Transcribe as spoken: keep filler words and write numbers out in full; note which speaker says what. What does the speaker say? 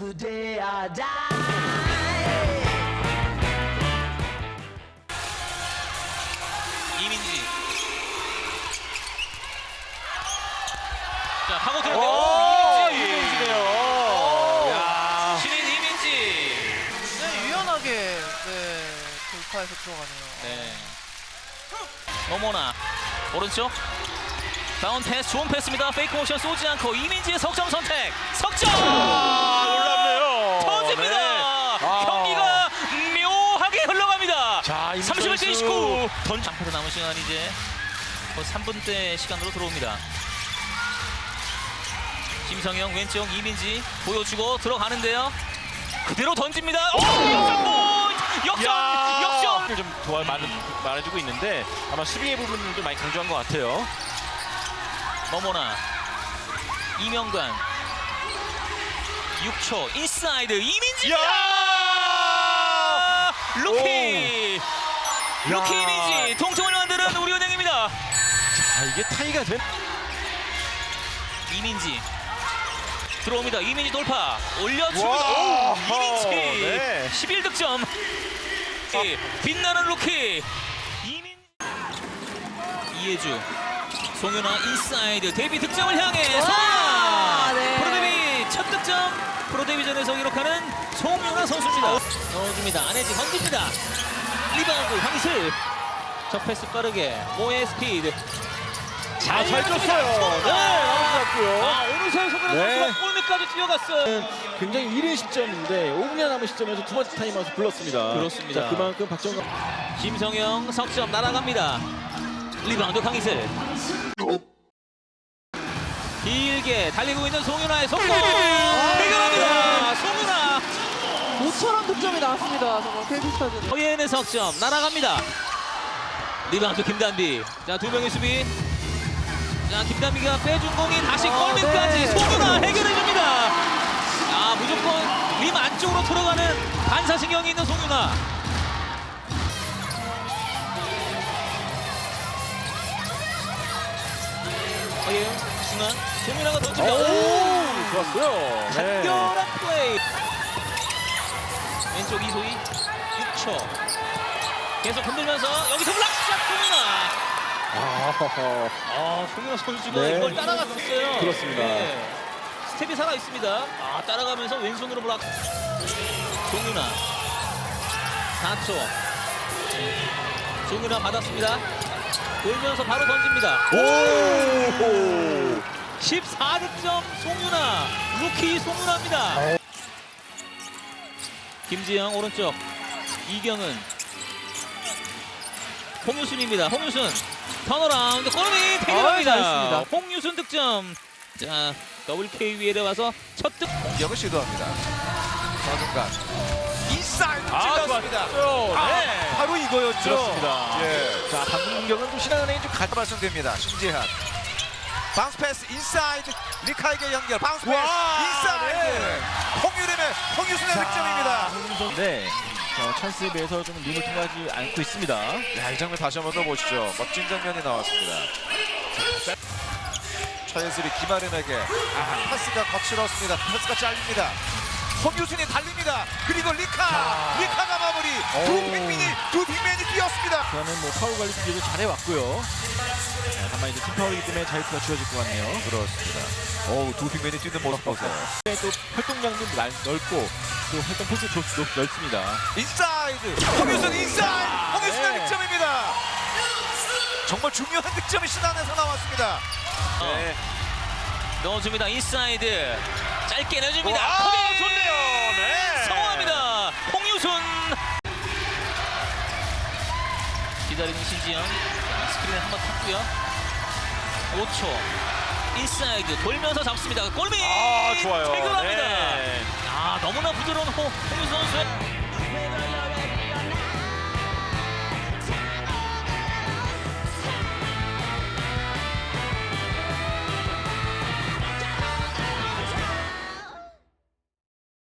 Speaker 1: Today I die.
Speaker 2: 이민지. 자, 파고 들어오고
Speaker 3: 오,
Speaker 2: 이민지.
Speaker 3: 이민지네요. 야.
Speaker 2: 신인 이민지.
Speaker 4: 네, 유연하게 네, 돌파해서 들어가네요.
Speaker 2: 네. 너무나 오른쪽. 다운 패스, 좋은 패스입니다. 페이크 모션 쏘지 않고 이민지의 석점 선택. 석점!
Speaker 3: 아, 놀랍네요.
Speaker 2: 터집니다.
Speaker 3: 네. 아.
Speaker 2: 경기가 묘하게 흘러갑니다.
Speaker 3: 자, 이민지
Speaker 2: 삼십일 대
Speaker 3: 선수
Speaker 2: 이십구.
Speaker 3: 던
Speaker 2: 잠깐 남은 시간 이제 곧 삼 분대 시간으로 들어옵니다. 김성영 왼쪽 이민지 보여주고 들어가는데요. 그대로 던집니다. 오, 역전! 역전!
Speaker 3: 야.
Speaker 2: 역전!
Speaker 3: 좀 도와 많은 말해주고 있는데 아마 수비의 부분을 좀 많이 강조한 것 같아요.
Speaker 2: 너무나 이명관 육 초 인사이드 이민지.
Speaker 3: 야!
Speaker 2: 루키
Speaker 3: 오.
Speaker 2: 루키
Speaker 3: 야.
Speaker 2: 이민지 동점을 만드는 우리은행입니다.
Speaker 3: 아, 이게 타이가 된.
Speaker 2: 이민지 들어옵니다. 이민지 돌파 올려줍니다.
Speaker 3: 와.
Speaker 2: 오, 이민지
Speaker 3: 네.
Speaker 2: 십일 득점. 빛나는 루키 이민 이해주 송윤아 인사이드 데뷔 득점을 향해 송윤아
Speaker 4: 네.
Speaker 2: 프로데뷔 첫 득점 프로데뷔전에서 기록하는 송윤아 선수입니다. 넣어줍니다. 안혜지 건집니다. 리바운드 황희슬 첫 패스 빠르게 모의 스피드
Speaker 3: 아, 잘 줬어요. 네,
Speaker 2: 아,
Speaker 3: 아주
Speaker 2: 아 오늘서의 송윤아
Speaker 5: 네.
Speaker 2: 선수가 골밑까지 뛰어갔어요.
Speaker 5: 굉장히 이른 시점인데 오 분이나 남은 시점에서 두 번째 타임아웃을 불렀습니다.
Speaker 2: 그렇습니다.
Speaker 5: 자, 그만큼 박정감
Speaker 2: 김성영 석점 날아갑니다. 리바운드 황희슬 길게 달리고 있는 송윤아의 속공 해결합니다. 송윤아
Speaker 4: 모처럼 득점이 나왔습니다. 정말 케이비스타즈는.
Speaker 2: 허예은의 석점 날아갑니다. 리바운드 김단비. 자, 두 명의 수비. 자, 김단비가 빼준 공이 다시
Speaker 4: 아,
Speaker 2: 골밑까지
Speaker 4: 네.
Speaker 2: 송윤아 해결해줍니다. 아, 무조건 림 안쪽으로 들어가는 반사신경이 있는 송윤아. 허예은 중앙 송윤아가 던집니다.
Speaker 5: 오, 좋았어요.
Speaker 2: 간결한 플레이. 왼쪽 이소희 육 초. 계속 흔들면서 여기서 블락샷 송윤아.
Speaker 5: 아하하.
Speaker 2: 아, 송윤아 선수가
Speaker 5: 네.
Speaker 2: 이걸 따라갔었어요.
Speaker 5: 그렇습니다.
Speaker 2: 스텝이 살아 있습니다. 아, 따라가면서 왼손으로 블락. 송윤아 사 초. 송윤아 받았습니다. 돌면서 바로 던집니다.
Speaker 5: 오!
Speaker 2: 십사 득점 송윤아. 루키 송윤아입니다. 김지영 오른쪽. 이경은. 홍유순입니다. 홍유순 턴어라운드 골밑 해결합니다.
Speaker 4: 아, 잘했습니다.
Speaker 2: 홍유순 득점. 자, 더블케이비엘에 와서 첫 득.
Speaker 6: 공격을 시도합니다. 서중간 인사이드
Speaker 3: 아,
Speaker 6: 찔렀습니다.
Speaker 3: 좋았죠.
Speaker 6: 아,
Speaker 3: 네.
Speaker 6: 바로 이거였죠.
Speaker 3: 그렇습니다.
Speaker 6: 예.
Speaker 5: 자, 방금 공격은 좀 신한은행이 좀 가.
Speaker 6: 발송됩니다. 신지한 바운스 패스 인사이드 리카에게 연결 바운스 패스
Speaker 3: 와,
Speaker 6: 인사이드
Speaker 3: 네.
Speaker 6: 홍유림의 홍유순의 득점입니다.
Speaker 5: 네. 자, 찬스에 비해서 좀 눈을 통하지 않고 있습니다.
Speaker 6: 야, 이 장면 다시 한번 더 보시죠. 멋진 장면이 나왔습니다. 차예슬이 김아름에게 아, 패스가 거칠었습니다. 패스가 잘립니다. 홍유순이 달립니다. 그리고 리카 리카가 마무리. 두 빅맨이 두 빅맨이 뛰었습니다.
Speaker 5: 저는 뭐 파울 관리 기술을 잘해왔고요. 자, 다만 이제 팀 파울이기 때문에 자유투가 주어질 것 같네요.
Speaker 6: 그렇습니다. 어우, 두 빅맨이 뛰는 모습 보세요.
Speaker 5: 또 활동량도 날- 넓고 또 활동 포스도 넓습니다.
Speaker 6: 인사이드 홍유순 인사이드 홍유순의
Speaker 5: 네.
Speaker 6: 득점입니다. 정말 중요한 득점이 신안에서 나왔습니다.
Speaker 2: 네. 넣어줍니다. 인사이드 짧게 내줍니다.
Speaker 3: 와,
Speaker 2: 커밍!
Speaker 3: 좋네요. 네.
Speaker 2: 성공합니다. 홍유순 기다리는 신지영. 자, 스크린에 한번 탔고요. 오 초 인사이드 돌면서 잡습니다. 골밑
Speaker 3: 아, 좋아요.
Speaker 2: 해결합니다.
Speaker 3: 네.
Speaker 2: 아, 너무나 부드러운 홍, 홍유순 선수의